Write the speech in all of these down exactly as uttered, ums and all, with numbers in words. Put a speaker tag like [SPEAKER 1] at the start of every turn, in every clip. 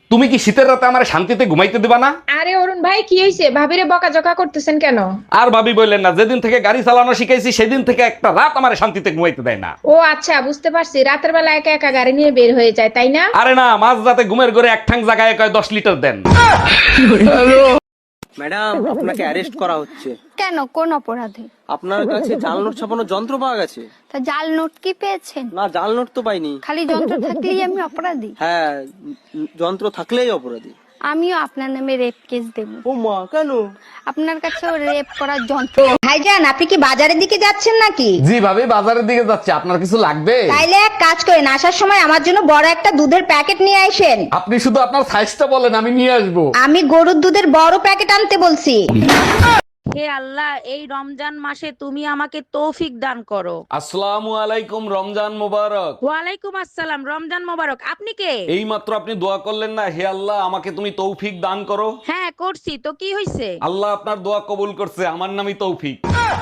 [SPEAKER 1] তুমি কি শীতের রাতে আমার শান্তিতে ঘুমাইতে দিবা না?
[SPEAKER 2] আরে অরুণ ভাই কি হয়েছে? ভাবিরে বকাঝকা করতেছেন কেন?
[SPEAKER 1] আর ভাবি বললেন না, যেদিন থেকে গাড়ি চালানো শিখাইছি সেদিন থেকে একটা রাত আমার শান্তিতে ঘুমাইতে দেয় না।
[SPEAKER 2] ও আচ্ছা, বুঝতে পারছি। রাতের বেলা একা একা গাড়ি নিয়ে বের হয়ে যায়, তাই না?
[SPEAKER 1] আরে না, মাঝ রাতে ঘুমের ঘরে এক ঠাং জায়গায় কয় দশ লিটার দেন।
[SPEAKER 3] ম্যাডাম, আপনাকে অ্যারেস্ট করা হচ্ছে।
[SPEAKER 4] কেন, কোন অপরাধে?
[SPEAKER 3] আপনার কাছে জাল নোট ছাপানোর যন্ত্র পাওয়া গেছে।
[SPEAKER 4] তা জাল নোট কি পেয়েছেন?
[SPEAKER 3] না, জাল নোট তো পাইনি।
[SPEAKER 4] খালি যন্ত্র থাকলেই আমি অপরাধী?
[SPEAKER 3] হ্যাঁ, উম, যন্ত্র থাকলেই অপরাধী।
[SPEAKER 4] আমিও আপনার নামে রেপ কেস দেব।
[SPEAKER 3] ও মা, কেন?
[SPEAKER 4] আপনার কাছেও রেপ করার যন্ত্র।
[SPEAKER 5] ভাইজান, আপনি কি বাজারের দিকে যাচ্ছেন নাকি?
[SPEAKER 1] জি ভাবি, বাজারের দিকে যাচ্ছে। আপনার কিছু লাগবে?
[SPEAKER 5] তাইলে এক কাজ করেন, আসার সময় আমার জন্য বড় একটা দুধের প্যাকেট নিয়ে আসেন।
[SPEAKER 1] আপনি শুধু আপনার সাইজটা বলেন, আমি নিয়ে আসবো।
[SPEAKER 5] আমি গরুর দুধের বড় প্যাকেট আনতে বলছি।
[SPEAKER 6] হে আল্লাহ, এই রমজান মাসে তুমি আমাকে তৌফিক দান করো।
[SPEAKER 1] আসসালামু আলাইকুম, রমজান মোবারক।
[SPEAKER 6] ওয়ালাইকুম আসসালাম, রমজান মোবারক। আপনি কে?
[SPEAKER 1] এই মাত্র আপনি দোয়া করলেন না, হে আল্লাহ আমাকে তুমি তৌফিক দান করো।
[SPEAKER 6] হ্যাঁ করছি তো, কি হয়েছে?
[SPEAKER 1] আল্লাহ আপনার দোয়া কবুল করছে, আমার নামই তৌফিক।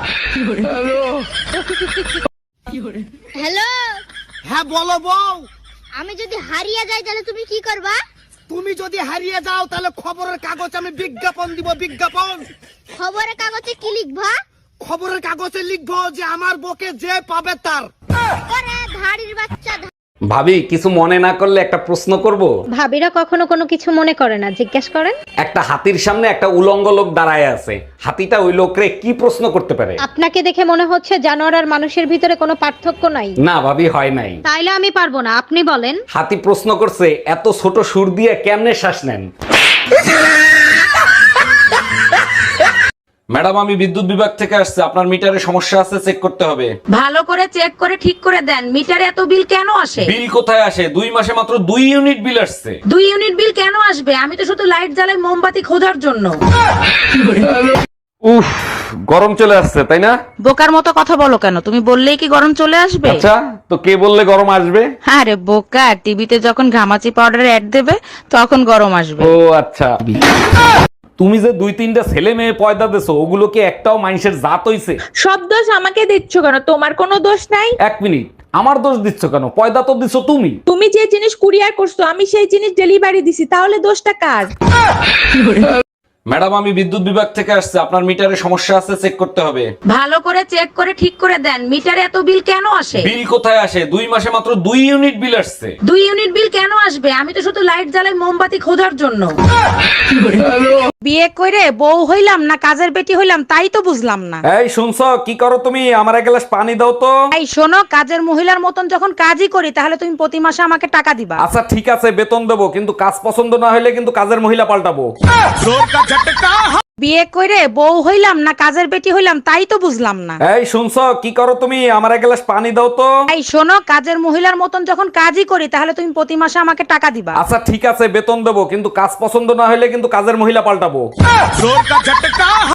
[SPEAKER 7] হ্যালো,
[SPEAKER 8] হ্যাঁ বলো বউ।
[SPEAKER 7] আমি যদি হারিয়ে যাই তাহলে তুমি কি করবা?
[SPEAKER 8] তুমি যদি হারিয়ে যাও তাহলে খবরের কাগজ আমি বিজ্ঞাপন দিব, বিজ্ঞাপন।
[SPEAKER 7] খবরের কাগজে কি লিখবা?
[SPEAKER 8] খবরের কাগজে লিখবো যে আমার বকে যে পাবে তার।
[SPEAKER 7] ওরে ধাড়ির বাচ্চা।
[SPEAKER 1] ভাবি, কিছু মনে না করলে একটা প্রশ্ন করব?
[SPEAKER 9] ভাবিরা কখনো কোনো কিছু মনে করে না, জিজ্ঞেস করেন।
[SPEAKER 1] একটা হাতির সামনে একটা উলঙ্গ লোক দাঁড়ায় আছে, হাতিটা ওই লোকরে কি প্রশ্ন করতে পারে?
[SPEAKER 9] আপনাকে দেখে মনে হচ্ছে জানোয়ার আর মানুষের ভিতরে কোনো পার্থক্য নাই।
[SPEAKER 1] না ভাবি, হয় নাই।
[SPEAKER 9] তাইলে আমি পারবো না, আপনি বলেন।
[SPEAKER 1] হাতি প্রশ্ন করছে, এত ছোট সুর দিয়ে কেমনে শ্বাস নেন? ম্যাডাম, আমি বিদ্যুৎ বিভাগ থেকে আসছে, আপনার মিটারে সমস্যা আছে, চেক করতে হবে।
[SPEAKER 6] ভালো করে চেক করে ঠিক করে দেন। মিটারে এত বিল কেন আসে?
[SPEAKER 1] বিল কোথায় আসে? দুই মাসে মাত্র দুই ইউনিট বিল আসছে।
[SPEAKER 6] দুই ইউনিট বিল কেন আসবে? আমি তো শুধু লাইট জ্বালাই মোমবাতি খোঁজার জন্য।
[SPEAKER 1] উফ, গরম চলে আসছে, তাই না?
[SPEAKER 6] বোকার মতো কথা বলো কেন? তুমি বললেই কি গরম চলে আসবে?
[SPEAKER 1] আচ্ছা, তো কে বললে গরম আসবে?
[SPEAKER 6] আরে বোকা, টিভিতে যখন ঘামাচি পাউডারের অ্যাড দেবে তখন গরম আসবে।
[SPEAKER 1] ও আচ্ছা। তুমি যে দুই তিনটা ছেলে মেয়ে পয়দা দেছো, ওগুলো কি একটাও মানুষের জাত হইছে?
[SPEAKER 2] সব দোষ আমাকে দিচ্ছ কেন? তোমার কোনো দোষ নাই।
[SPEAKER 1] এক মিনিট, আমার দোষ দিচ্ছ কেন? পয়দা তো দিছো তুমি।
[SPEAKER 2] তুমি যে জিনিস কুরিয়ার করছো আমি সেই জিনিস ডেলিভারি দিছি, তাহলে দোষটা কার?
[SPEAKER 1] ম্যাডাম, আমি বিদ্যুৎ বিভাগ থেকে আসছে, আপনার মিটারে সমস্যা আছে, চেক করতে হবে।
[SPEAKER 6] ভালো করে চেক করে ঠিক করে দেন। মিটারে এত বিল কেন আসে?
[SPEAKER 1] বিল কোথায় আসে? দুই মাসে মাত্র দুই ইউনিট বিল আসছে।
[SPEAKER 6] দুই ইউনিট বিল কেন আসবে? আমি তো শুধু লাইট জ্বালাই মোমবাতি খোঁজার জন্য। বিয়ে করে বউ হইলাম না কাজের বেটি হইলাম, তাই তো বুঝলাম না।
[SPEAKER 1] এই শুনছো, কি করো তুমি? আমার এক গ্লাস পানি দাও তো।
[SPEAKER 6] এই শোনো, কাজের মহিলার মতন যখন কাজই করি তাহলে তুমি প্রতি মাসে আমাকে টাকা দিবা।
[SPEAKER 1] আচ্ছা ঠিক আছে, বেতন দেবো, কিন্তু কাজ পছন্দ না হলে কিন্তু কাজের মহিলা পাল্টাবো।
[SPEAKER 6] বিয়ে করে বউ হইলাম না কাজের বেটি হইলাম, তাই তো বুঝলাম না।
[SPEAKER 1] এই শুনছো, কি করো তুমি? আমার এক গ্লাস পানি দাও তো।
[SPEAKER 6] এই শোনো, কাজের মহিলার মতন যখন কাজই করি তাহলে তুমি প্রতি মাসে আমাকে টাকা দিবা।
[SPEAKER 1] আচ্ছা ঠিক আছে, বেতন দেবো, কিন্তু কাজ পছন্দ না হলে কিন্তু কাজের মহিলা পাল্টাবো।